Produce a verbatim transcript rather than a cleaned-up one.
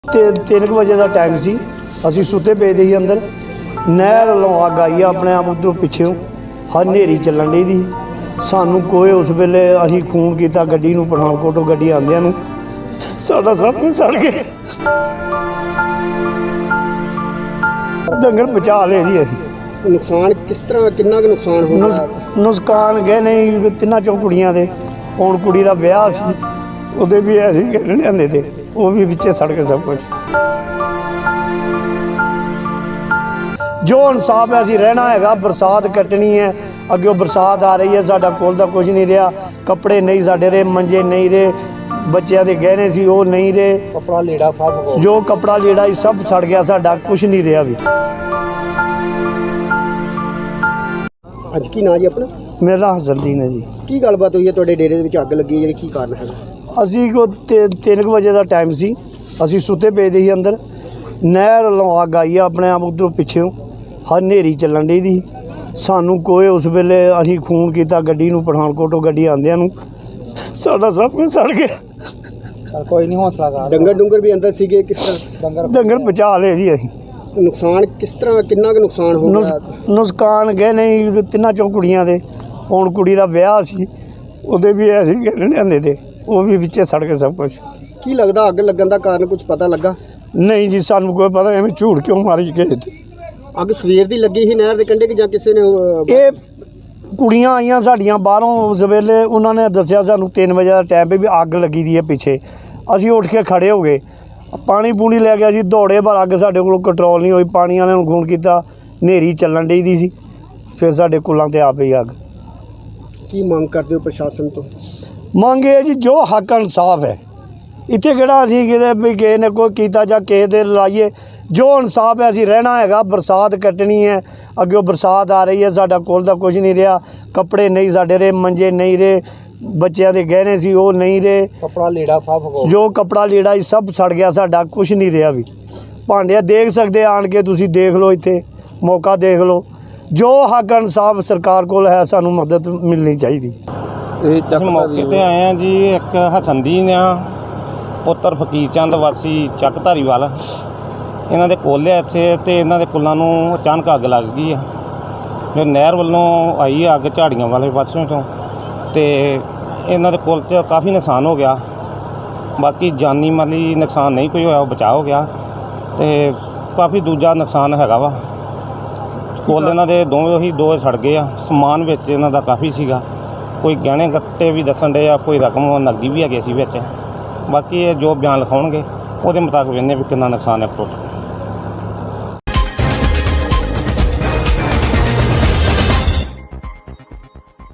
ਤੇ ਤਿੰਨ ਕੁ ਵਜੇ ਦਾ ਟਾਈਮ ਸੀ। ਅਸੀਂ ਸੁੱਤੇ ਪਏ ਦੇ ਸੀ ਅੰਦਰ। ਨਹਿਰ ਵੱਲੋਂ ਅੱਗ ਆਈ ਆਪਣੇ ਆਪ ਉੱਧਰੋਂ ਪਿੱਛੋਂ ਹਨੇਰੀ ਚੱਲਣ ਡਈ ਦੀ। ਸਾਨੂੰ ਕੋਈ ਉਸ ਵੇਲੇ ਅਸੀਂ ਫੋਨ ਕੀਤਾ ਗੱਡੀ ਨੂੰ, ਪਠਾਨਕੋਟੋਂ ਗੱਡੀ ਆਉਂਦਿਆਂ ਨੂੰ ਸਾਡਾ ਸਭ ਕੁਝ ਸੜ ਗਿਆ। ਡੰਗਰ ਬਚਾ ਲਏ ਜੀ ਅਸੀਂ। ਨੁਕਸਾਨ ਕਿਸ ਤਰ੍ਹਾਂ, ਕਿੰਨਾ ਕੁ ਨੁਕਸਾਨ ਹੋ ਗਿਆ? ਨੁਕਸਾਨ ਗਏ ਨਹੀਂ ਤਿੰਨਾਂ ਚੋਂ ਕੁੜੀਆਂ ਦੇ। ਹੁਣ ਕੁੜੀ ਦਾ ਵਿਆਹ ਸੀ, ਉਹਦੇ ਵੀ ਐਸੀ ਲਿਆਂਦੇ ਤੇ ਉਹ ਵੀ ਵਿੱਚੇ ਸੜ ਕੇ ਸਭ ਕੁਝ। ਜੋ ਇਨਸਾਫ ਹੈ ਅਸੀਂ ਰਹਿਣਾ ਹੈਗਾ। ਬਰਸਾਤ ਕੱਟਣੀ ਹੈ, ਅੱਗੇ ਬਰਸਾਤ ਆ ਰਹੀ ਹੈ, ਸਾਡਾ ਕੋਲ ਦਾ ਕੁਝ ਨਹੀਂ ਰਿਹਾ। ਕੱਪੜੇ ਨਹੀਂ ਸਾਡੇ ਰਹੇ, ਮੰਜੇ ਨਹੀਂ ਰਹੇ, ਬੱਚਿਆਂ ਦੇ ਗਹਿਣੇ ਸੀ ਉਹ ਨਹੀਂ ਰਹੇ, ਕੱਪੜਾ ਲੀੜਾ ਸਭ ਜੋ ਕੱਪੜਾ ਲੀੜਾ ਸੀ ਸਭ ਸੜ ਗਿਆ, ਸਾਡਾ ਕੁਝ ਨਹੀਂ ਰਿਹਾ ਵੀ। ਅੱਜ ਕੀ ਨਾਂ ਜੀ ਆਪਣਾ? ਮੇਰਾ ਨਾਂ ਹਸਨਦੀਨ ਹੈ ਜੀ। ਕੀ ਗੱਲਬਾਤ ਹੋਈ ਹੈ ਤੁਹਾਡੇ ਡੇਰੇ ਦੇ ਵਿੱਚ ਅੱਗ ਲੱਗੀ ਹੈ, ਜਿਹੜੀ ਕੀ ਕਾਰਨ ਹੈਗਾ? ਅਸੀਂ ਕੋ ਤਿੰਨ ਕੁ ਵਜੇ ਦਾ ਟਾਈਮ ਸੀ। ਅਸੀਂ ਸੁੱਤੇ ਪਏ ਦੇ ਸੀ ਅੰਦਰ। ਨਹਿਰ ਵੱਲੋਂ ਅੱਗ ਆਈ ਆਪਣੇ ਆਪ ਉੱਧਰੋਂ ਪਿੱਛੋਂ ਹਨੇਰੀ ਚੱਲਣ ਡਈ ਦੀ। ਸਾਨੂੰ ਕੋਈ ਉਸ ਵੇਲੇ ਅਸੀਂ ਫੋਨ ਕੀਤਾ ਗੱਡੀ ਨੂੰ, ਪਠਾਨਕੋਟੋਂ ਗੱਡੀ ਆਉਂਦਿਆਂ ਨੂੰ ਸਾਡਾ ਸਭ ਕੁਝ ਸੜ ਗਿਆ। ਕੋਈ ਨਹੀਂ, ਹੌਸਲਾ ਕਰ। ਡੰਗਰ ਡੁੰਗਰ ਵੀ ਅੰਦਰ ਸੀਗੇ? ਕਿਸ ਤਰ੍ਹਾਂ ਡੰਗਰ ਡੰਗਰ ਬਚਾ ਲਏ ਜੀ ਅਸੀਂ। ਨੁਕਸਾਨ ਕਿਸ ਤਰ੍ਹਾਂ, ਕਿੰਨਾ ਕੁ ਨੁਕਸਾਨ ਹੋ ਗਿਆ? ਨੁਕਸਾਨ ਗਏ ਨਹੀਂ ਤਿੰਨਾਂ ਚੋਂ ਕੁੜੀਆਂ ਦੇ। ਹੁਣ ਕੁੜੀ ਦਾ ਵਿਆਹ ਸੀ, ਉਹਦੇ ਵੀ ਐਸੀ ਲਿਆਂਦੇ ਤੇ ਉਹ ਵੀ ਵਿੱਚੇ ਸੜ ਕੇ ਸਭ ਕੁਝ। ਕੀ ਲੱਗਦਾ ਅੱਗ ਲੱਗਣ ਦਾ ਕਾਰਨ ਕੁਝ ਪਤਾ ਲੱਗਾ? ਨਹੀਂ ਜੀ, ਸਾਨੂੰ ਕੋਈ ਪਤਾ ਐਵੇਂ ਝੂਠ ਕਿਉਂ ਮਾਰੀ ਗਏ। ਅੱਗ ਸਵੇਰ ਦੀ ਲੱਗੀ ਸੀ ਨਹਿਰ ਦੇ ਕੰਢੇ ਕਿ ਜਾਂ ਕਿਸੇ ਨੇ? ਇਹ ਕੁੜੀਆਂ ਆਈਆਂ ਸਾਡੀਆਂ ਬਾਹਰੋਂ ਉਸ ਵੇਲੇ, ਉਹਨਾਂ ਨੇ ਦੱਸਿਆ ਸਾਨੂੰ ਤਿੰਨ ਵਜੇ ਦਾ ਟਾਈਮ ਵੀ ਅੱਗ ਲੱਗੀ ਦੀ ਹੈ ਪਿੱਛੇ। ਅਸੀਂ ਉੱਠ ਕੇ ਖੜ੍ਹੇ ਹੋ ਗਏ, ਪਾਣੀ ਪੂਣੀ ਲੈ ਗਿਆ ਸੀ ਦੌੜੇ, ਪਰ ਅੱਗ ਸਾਡੇ ਕੋਲੋਂ ਕੰਟਰੋਲ ਨਹੀਂ ਹੋਈ। ਪਾਣੀ ਵਾਲਿਆਂ ਨੂੰ ਫੋਨ ਕੀਤਾ, ਹਨੇਰੀ ਚੱਲਣ ਡਈ ਦੀ ਸੀ, ਫਿਰ ਸਾਡੇ ਕੁੱਲਾਂ 'ਤੇ ਆ ਪਈ ਅੱਗ। ਕੀ ਮੰਗ ਕਰਦੇ ਹੋ ਪ੍ਰਸ਼ਾਸਨ ਤੋਂ? ਮੰਗ ਇਹ ਜੀ, ਜੋ ਹੱਕ ਇਨਸਾਫ ਹੈ। ਇੱਥੇ ਕਿਹੜਾ ਅਸੀਂ ਕਿਤੇ ਵੀ ਕਿਸੇ ਨੇ ਕੋਈ ਕੀਤਾ ਜਾਂ ਕਿਸੇ ਦੇ ਲਾਈਏ। ਜੋ ਇਨਸਾਫ ਹੈ ਅਸੀਂ ਰਹਿਣਾ ਹੈਗਾ। ਬਰਸਾਤ ਕੱਟਣੀ ਹੈ, ਅੱਗੇ ਬਰਸਾਤ ਆ ਰਹੀ ਹੈ, ਸਾਡਾ ਕੋਲ ਦਾ ਕੁਝ ਨਹੀਂ ਰਿਹਾ। ਕੱਪੜੇ ਨਹੀਂ ਸਾਡੇ ਰਹੇ, ਮੰਜੇ ਨਹੀਂ ਰਹੇ, ਬੱਚਿਆਂ ਦੇ ਗਹਿਣੇ ਸੀ ਉਹ ਨਹੀਂ ਰਹੇ, ਕੱਪੜਾ ਲੀੜਾ ਸਭ ਜੋ ਕੱਪੜਾ ਲੀੜਾ ਸੀ ਸਭ ਸੜ ਗਿਆ, ਸਾਡਾ ਕੁਝ ਨਹੀਂ ਰਿਹਾ ਵੀ। ਭਾਂਡੇ ਦੇਖ ਸਕਦੇ ਆਣ ਕੇ ਤੁਸੀਂ, ਦੇਖ ਲਓ ਇੱਥੇ ਮੌਕਾ ਦੇਖ ਲਓ। ਜੋ ਹੱਕ ਇਨਸਾਫ ਸਰਕਾਰ ਕੋਲ ਹੈ, ਸਾਨੂੰ ਮਦਦ ਮਿਲਣੀ ਚਾਹੀਦੀ। ਇਹ ਚੱਕ ਮੌਕੇ ਤੇ ਆਏ ਆ ਜੀ। ਇੱਕ ਹਸਨਦੀਨ ਆ, ਪੁੱਤਰ ਫਕੀਰ ਚੰਦ ਵਾਸੀ ਚੱਕ ਧਾਰੀਵਾਲ। ਇਹਨਾਂ ਦੇ ਕੁੱਲ ਆ ਇੱਥੇ, ਅਤੇ ਇਹਨਾਂ ਦੇ ਕੁੱਲਾਂ ਨੂੰ ਅਚਾਨਕ ਅੱਗ ਲੱਗ ਗਈ ਆ। ਜੋ ਨਹਿਰ ਵੱਲੋਂ ਆਈ ਅੱਗ ਝਾੜੀਆਂ ਵਾਲੇ ਪਾਸਿਓਂ ਤੋਂ, ਅਤੇ ਇਹਨਾਂ ਦੇ ਕੁੱਲ 'ਚ ਕਾਫੀ ਨੁਕਸਾਨ ਹੋ ਗਿਆ। ਬਾਕੀ ਜਾਨੀ ਮਾਲੀ ਨੁਕਸਾਨ ਨਹੀਂ ਕੋਈ ਹੋਇਆ, ਉਹ ਬਚਾਅ ਹੋ ਗਿਆ। ਅਤੇ ਕਾਫੀ ਦੂਜਾ ਨੁਕਸਾਨ ਹੈਗਾ ਵਾ। ਕੁੱਲ ਇਹਨਾਂ ਦੇ ਦੋਵੇਂ ਉਹੀ ਦੋ ਸੜ ਗਏ ਆ। ਸਮਾਨ ਵਿੱਚ ਇਹਨਾਂ ਦਾ ਕਾਫੀ ਸੀਗਾ, ਕੋਈ ਗਹਿਣੇ ਗੱਟੇ ਵੀ ਦੱਸਣ ਡੇ ਆ, ਕੋਈ ਰਕਮ ਨਕਦੀ ਵੀ ਹੈਗੇ ਸੀ ਵਿੱਚ। ਬਾਕੀ ਇਹ ਜੋ ਬਿਆਨ ਲਿਖਾਉਣਗੇ ਉਹਦੇ ਮੁਤਾਬਕ ਵੇਖਦੇ ਵੀ ਕਿੰਨਾ ਨੁਕਸਾਨ ਹੈ ਟੋਟਲ।